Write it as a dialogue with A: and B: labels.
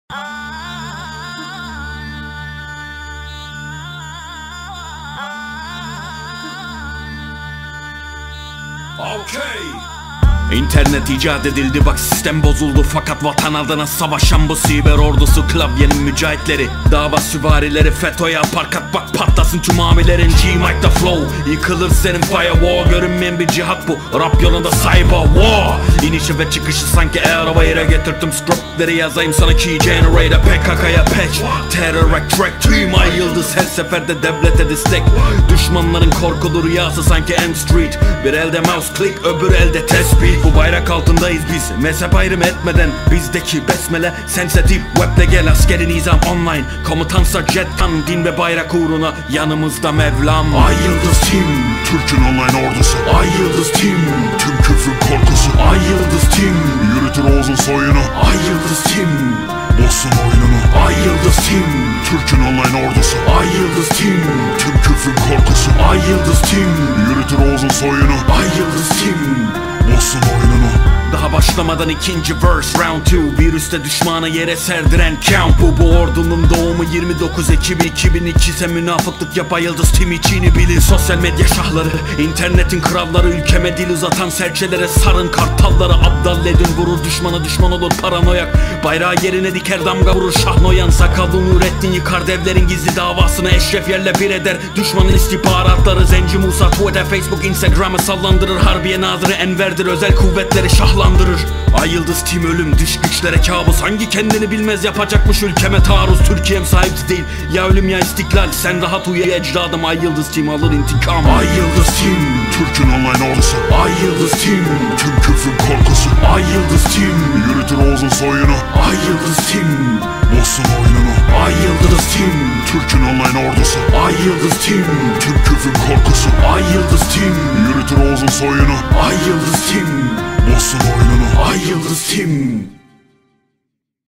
A: İnternet icat edildi, bak sistem bozuldu. Fakat vatan adına savaşan bu siber ordusu, klavyenin mücahitleri, dava süvarileri, FETÖ'ye parkat bak patlasın tüm amilerin. G-Mike'da flow, yıkılır senin firewall. Görünmeyen bir cihat bu, rap yolunda cyber war. İnişi ve çıkışı sanki araba yere getirdim. Scriptleri yazayım sana key generator. PKK'ya patch, terror track, tüm ay yıldız her seferde devlete destek. Düşmanların korkulu rüyası sanki M Street. Bir elde mouse click, öbür elde tespih. Bu bayrak altındayız biz, mezhep ayrım etmeden. Bizdeki besmele sensitif, webde gel askeri nizam online. Komutansa jettan, din ve bayrak uğruna yanımızda Mevlam.
B: Ay Yıldız Team, Türk'ün online ordusu.
A: Ay Yıldız Team,
B: tüm küfrün korkusu.
A: Ay Yıldız Team,
B: yürütür Oğuz'un soyunu.
A: Ay Yıldız Team,
B: bozsun oyununu.
A: Ay Yıldız Team,
B: Türk'ün online ordusu.
A: Ay Yıldız Team,
B: tüm küfrün korkusu.
A: Ay Yıldız Team,
B: yürütür Oğuz'un soyunu.
A: Ay Yıldız Team,
B: bozsun oyununu.
A: Daha başlamadan ikinci verse round 2. Virüste düşmanı yere serdiren count bu ordunun doğumu 29 Ekim 2002 ise münafıklık yap. Ay Yıldız Team içini bilin. Sosyal medya şahları, internetin kralları, ülkeme dil uzatan serçelere sarın kartalları. Abdal edin, vurur düşmana, düşman olur paranoyak. Bayrağı yerine diker, damga vurur Şahnoyan. Sakallı Nurettin yıkar devlerin gizli davasını, Eşref yerle bir eder düşmanın istihbaratları. Zenci Musa Twitter, Facebook, Instagram'ı sallandırır. Harbiye Nazırı Enver'dir, özel kuvvetleri şahlandırır. Ay Yıldız Team ölüm, dış güçlere kabus. Hangi kendini bilmez yapacakmış ülkeme taarruz. Türkiye'm sahipsiz değil, ya ölüm ya istiklal. Sen rahat uyu ecdadım, Ay Yıldız Team alır intikam. Ay Yıldız Team,
B: Türk'ün online ordusu.
A: Ay Yıldız Team,
B: tüm küfrün korkusu.
A: Ay Yıldız Team,
B: yürütür Oğuz'un soyunu.
A: Ay Yıldız Team,
B: bozsun oyununu.
A: Ay Yıldız Team,
B: Türk'ün online ordusu.
A: Ay Yıldız Team,
B: tüm küfrün korkusu.
A: Ay Yıldız Team,
B: yürütür Oğuz'un soyunu.
A: Ay Yıldız Team,
B: bozsun oyununu.
A: Ay Yıldız Team.